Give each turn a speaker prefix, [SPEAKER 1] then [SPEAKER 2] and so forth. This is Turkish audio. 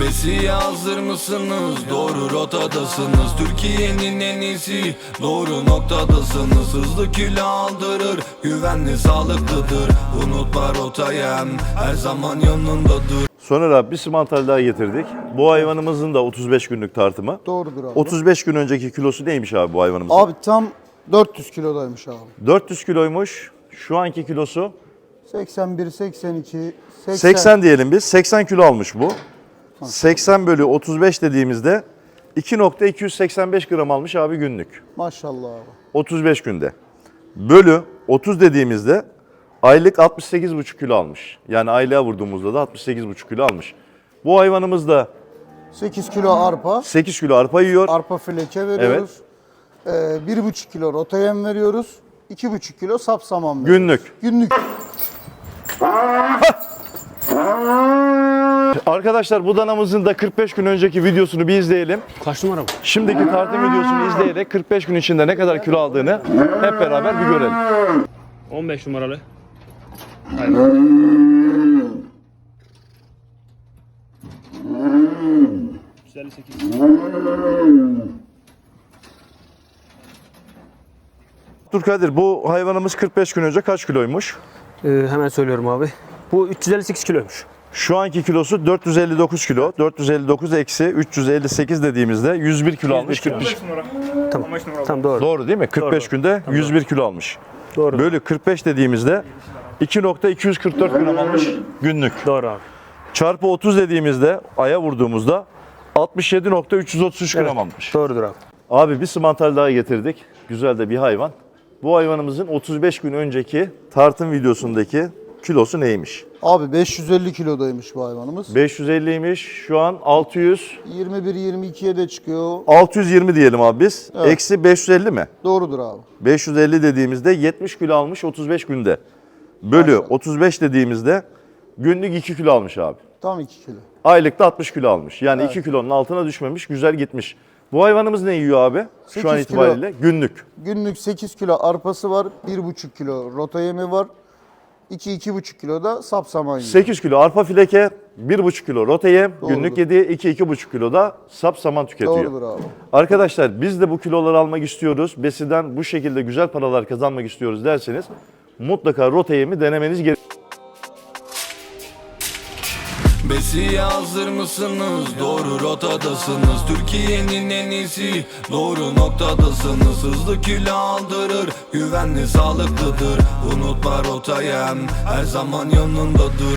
[SPEAKER 1] Besiye hazır mısınız? Doğru rotadasınız. Türkiye'nin en iyisi, doğru noktadasınız. Hızlı kilo aldırır, güvenli sağlıklıdır. Unutma rotayı, her zaman yanındadır.
[SPEAKER 2] Sonra abi bir simantal daha getirdik. Bu hayvanımızın da 35 günlük tartımı.
[SPEAKER 3] Doğrudur abi.
[SPEAKER 2] 35 gün önceki kilosu neymiş abi bu hayvanımızın?
[SPEAKER 3] Abi tam 400 kilodaymış abi.
[SPEAKER 2] 400 kiloymuş. Şu anki kilosu
[SPEAKER 3] 81, 82,
[SPEAKER 2] 80 diyelim biz. 80 kilo almış bu. 80 bölü 35 dediğimizde 2.285 gram almış abi günlük.
[SPEAKER 3] Maşallah abi.
[SPEAKER 2] 35 günde. Bölü 30 dediğimizde aylık 68,5 kilo almış. Yani aylığa vurduğumuzda da 68,5 kilo almış. Bu hayvanımız da
[SPEAKER 3] 8 kilo arpa.
[SPEAKER 2] 8 kilo arpa yiyor.
[SPEAKER 3] Arpa fileke veriyoruz. 1,5 kilo rota yem veriyoruz. 2,5 kilo sapsaman veriyoruz.
[SPEAKER 2] Günlük.
[SPEAKER 3] Günlük.
[SPEAKER 2] Arkadaşlar bu danamızın da 45 gün önceki videosunu bir izleyelim.
[SPEAKER 4] Kaç numara bu?
[SPEAKER 2] Şimdiki tartım videosunu izleyerek 45 gün içinde ne kadar kilo aldığını hep beraber bir görelim.
[SPEAKER 4] 15 numaralı. 158.
[SPEAKER 2] Abdülkadir, bu hayvanımız 45 gün önce kaç kiloymuş?
[SPEAKER 4] Hemen söylüyorum abi. Bu 358 kiloymuş.
[SPEAKER 2] Şu anki kilosu 459 kilo. 459 eksi 358 dediğimizde 101 kilo almış. 45.
[SPEAKER 4] Tamam. Tamam doğru.
[SPEAKER 2] Doğru değil mi? 45
[SPEAKER 4] Doğru.
[SPEAKER 2] günde 101 kilo almış.
[SPEAKER 4] Doğru.
[SPEAKER 2] Bölü 45 dediğimizde 2.244 gram almış günlük.
[SPEAKER 4] Doğru abi.
[SPEAKER 2] Çarpı 30 dediğimizde aya vurduğumuzda 67.333 gram almış.
[SPEAKER 4] Doğrudur abi.
[SPEAKER 2] Abi bir simantal daha getirdik. Güzel de bir hayvan. Bu hayvanımızın 35 gün önceki tartım videosundaki kilosu neymiş?
[SPEAKER 3] Abi 550 kilodaymış bu hayvanımız.
[SPEAKER 2] 550'ymiş. Şu an
[SPEAKER 3] 21-22'ye de çıkıyor.
[SPEAKER 2] 620 diyelim abi biz.
[SPEAKER 3] Evet.
[SPEAKER 2] Eksi 550 mi?
[SPEAKER 3] Doğrudur abi.
[SPEAKER 2] 550 dediğimizde 70 kilo almış 35 günde. Bölü
[SPEAKER 3] Maşallah.
[SPEAKER 2] 35 dediğimizde günlük 2 kilo almış abi.
[SPEAKER 3] Tam 2 kilo.
[SPEAKER 2] Aylıkta 60 kilo almış. Yani
[SPEAKER 3] Evet.
[SPEAKER 2] 2 kilonun altına düşmemiş, güzel gitmiş. Bu hayvanımız ne yiyor abi? Şu
[SPEAKER 3] 8
[SPEAKER 2] an
[SPEAKER 3] kilo.
[SPEAKER 2] itibariyle günlük.
[SPEAKER 3] Günlük 8 kilo arpası var. 1,5 kilo rota yemi var. 2-2,5 kilo da sapsaman yiyor.
[SPEAKER 2] 8 kilo arpa fileke, 1,5 kilo rota yem,
[SPEAKER 3] Doğrudur.
[SPEAKER 2] günlük yediği 2-2,5 kilo da sap saman tüketiyor.
[SPEAKER 3] Doğrudur abi.
[SPEAKER 2] Arkadaşlar biz de bu kiloları almak istiyoruz. Besiden bu şekilde güzel paralar kazanmak istiyoruz derseniz mutlaka rota yemi denemeniz gerekiyor.
[SPEAKER 1] Besiye hazır mısınız? Doğru rotadasınız. Türkiye'nin en iyisi, doğru noktadasınız. Hızlı kilo aldırır, güvenli sağlıklıdır. Unutma rotayı, her zaman yanındadır.